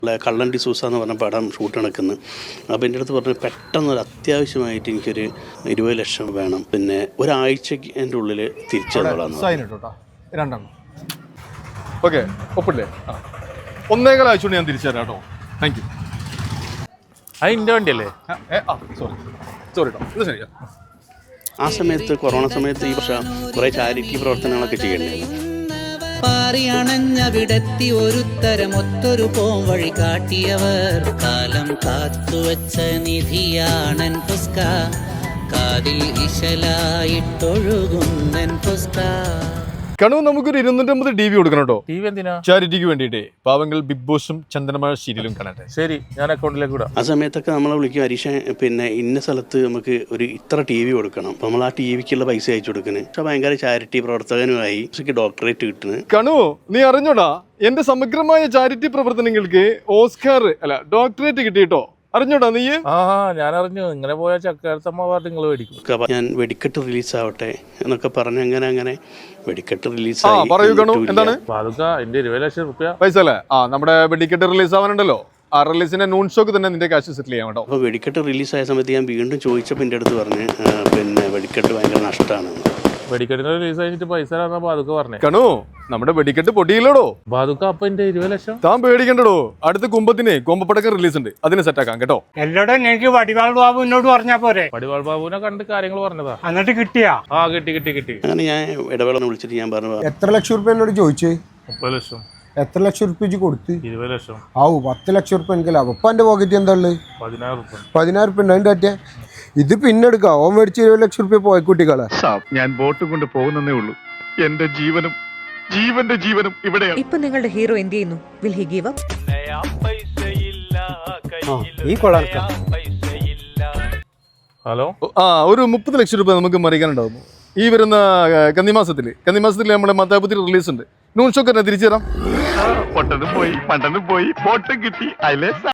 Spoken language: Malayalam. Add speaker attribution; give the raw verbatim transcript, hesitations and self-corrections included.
Speaker 1: കള്ളൻ ഡിസൂസ എന്ന് പറഞ്ഞ പടം ഷൂട്ട് നടക്കുന്നു. അപ്പോൾ എൻ്റെ അടുത്ത് പറഞ്ഞു പെട്ടെന്നൊരു അത്യാവശ്യമായിട്ട് എനിക്കൊരു ഇരുപത് ലക്ഷം വേണം, പിന്നെ ഒരാഴ്ചക്ക് എൻ്റെ ഉള്ളിൽ തിരിച്ചു
Speaker 2: രണ്ടെണ്ണം ഓക്കെ ഒപ്പില്ലേ? ഒന്നേകാൽ ആഴ്ച കൊണ്ട് ഞാൻ തിരിച്ചു തരാം കേട്ടോ. Thank you.
Speaker 3: അത് എൻ്റെ വണ്ടിയല്ലേ?
Speaker 2: സോറി സോറി കേട്ടോ, ഇത് ശരിയാ.
Speaker 1: ആ സമയത്ത് കൊറോണ സമയത്ത് ഈ വർഷം കുറേ ചാരിറ്റി പ്രവർത്തനങ്ങളൊക്കെ ചെയ്യണ്ടേ.
Speaker 4: പാറിയണഞ്ഞവിടെത്തി ഒരുത്തരം ഒത്തൊരു പോം വഴി കാട്ടിയവർ കാലം കാത്തുവച്ച നിധിയാണൻ പുസ്ക കാതിൽ ഇശലായിട്ടൊഴുകുന്നൻ പുസ്ക.
Speaker 2: കണു നമുക്കൊരു ഇരുന്നൂറ്റമ്പത് ടി വി കൊടുക്കണം കേട്ടോ.
Speaker 3: ടി വി എന്തിനാ?
Speaker 2: ചാരിറ്റിക്ക് വേണ്ടിയിട്ടേ. പാവങ്ങൾ ബിഗ് ബോസും ചന്ദനമഴ സീരിയലും കാണട്ടെ.
Speaker 3: ശരി, ഞാൻ അക്കൗണ്ടിലേക്ക് വിടാം.
Speaker 1: ആ സമയത്തൊക്കെ നമ്മളെ വിളിക്കും, ഹരീഷ പിന്നെ ഇന്ന സ്ഥലത്ത് നമുക്ക് ഒരു ഇത്ര ടി വി കൊടുക്കണം. അപ്പം നമ്മൾ ആ ടി വിക്കുള്ള പൈസ അയച്ചു കൊടുക്കുന്നത്. പക്ഷെ ഭയങ്കര ചാരിറ്റി പ്രവർത്തകനുമായി ഡോക്ടറേറ്റ് കിട്ടുന്നത്.
Speaker 2: കണു നീ അറിഞ്ഞോടാ, എന്റെ സമഗ്രമായ ചാരിറ്റി പ്രവർത്തനങ്ങൾക്ക് ഓസ്കാർ അല്ല ഡോക്ടറേറ്റ് കിട്ടിയിട്ടോ. അറിഞ്ഞോടാ നീ?
Speaker 3: ആ ഞാൻ അറിഞ്ഞു. ഇങ്ങനെ പോയാൽ ചക്കാരത്തമ്മ അവാർഡ് നിങ്ങൾ മേടിക്കും.
Speaker 1: ഞാൻ വെടിക്കെട്ട് റിലീസാവട്ടെ എന്നൊക്കെ പറഞ്ഞ് അങ്ങനെ അങ്ങനെ വെടിക്കെട്ട്
Speaker 2: പറയൂ
Speaker 1: റിലീസായി.
Speaker 2: കണു, എന്താണ്
Speaker 3: പാതുക്ക എന്റെ ഇരുപത് ലക്ഷം റുപ്യ
Speaker 2: പൈസ അല്ലേ? ആ നമ്മുടെ വെടിക്കെട്ട് റിലീസ് ആവാനുണ്ടല്ലോ, ആ റിലീസിന്റെ നൂൺ ഷോക്ക് തന്നെ നിന്റെ കാശ് സെറ്റിൽ ചെയ്യാൻ കേട്ടോ.
Speaker 1: അപ്പോൾ വെടിക്കെട്ട് റിലീസായ സമയത്ത് ഞാൻ വീണ്ടും ചോദിച്ചപ്പോൾ എൻ്റെ അടുത്ത് പറഞ്ഞ് പിന്നെ വെടിക്കെട്ട് ഭയങ്കര നഷ്ടമാണ്.
Speaker 3: വെടിക്കെട്ടിന് റിലീസ് കഴിഞ്ഞിട്ട് പൈസ തരാന്നാ പാതുക്ക പറഞ്ഞേ.
Speaker 2: കണു നമ്മുടെ വെടിക്കെട്ട് പൊട്ടിയില്ലടോ.
Speaker 3: പാതുക്ക അപ്പൊ എന്റെ ഇരുപത് ലക്ഷം
Speaker 2: താൻ പേടിക്കണ്ടോ, അടുത്ത കുമ്പത്തിന് കൊമ്പപ്പടക്കം റിലീസ് ഉണ്ട്, അതിന് സെറ്റാക്കാം കേട്ടോ.
Speaker 5: എല്ലോടും എനിക്ക് വടിവാൾ ബാബു എന്നോട് പറഞ്ഞാ പോരെ?
Speaker 3: വടിവാൾ ബാബുവിനെ കണ്ട് കാര്യങ്ങൾ പറഞ്ഞതാ.
Speaker 5: എന്നിട്ട് കിട്ടിയാ?
Speaker 3: ആ കിട്ടി കിട്ടി കിട്ടി.
Speaker 1: അങ്ങനെ ഞാൻ ഇടവേള വിളിച്ചിട്ട് ഞാൻ പറഞ്ഞു,
Speaker 6: എത്ര ലക്ഷം റുപ്യ എന്നോട് ചോദിച്ചേ?
Speaker 3: മുപ്പത് ലക്ഷം.
Speaker 6: എത്ര ലക്ഷം റുപ്യ കൊടുത്ത്?
Speaker 3: ഇരുപത് ലക്ഷം.
Speaker 6: ആവു പത്ത് ലക്ഷം റുപ്യ എനിക്ക് ലാഭം. ഇപ്പൊ എന്റെ പോക്കറ്റ് എന്താ ഉള്ളത്?
Speaker 3: പതിനായിരം റുപ്യ.
Speaker 6: പതിനായിരം റുപ്യ ഉണ്ട്. അതിന്റെ പറ്റേ ഇത് പിന്നെ എടുക്കാം. ഓൻ മേടിച്ച് ഇരുപത് ലക്ഷം റുപ്യ പോയ കുട്ടികളെ.
Speaker 7: ഞാൻ ബോട്ടും കൊണ്ട് പോകുന്നേ ഉള്ളൂ. എന്റെ ജീവനും ജീവന്റെ ജീവനും ഇവിടെയാണ്.
Speaker 8: ഇപ്പൊ നിങ്ങളുടെ ഹീറോ എന്ത് ചെയ്യുന്നു? Will he give up?
Speaker 6: ഈ കൊള്ളാം.
Speaker 3: ഹലോ,
Speaker 2: ആ ഒരു മുപ്പത് ലക്ഷം രൂപ നമുക്ക് മറിക്കാനുണ്ടാവും ഈ വരുന്ന കന്നിമാസത്തിൽ. കന്നിമാസത്തിൽ നമ്മുടെ മത്താപുത്തി റിലീസ് ഉണ്ട്. നൂൺ ഷോക്ക് തന്നെ തിരിച്ചു തരാം.
Speaker 7: പൊട്ടനും പോയി പണ്ടനും പോയി ബോട്ടും കിട്ടി. അതിലെ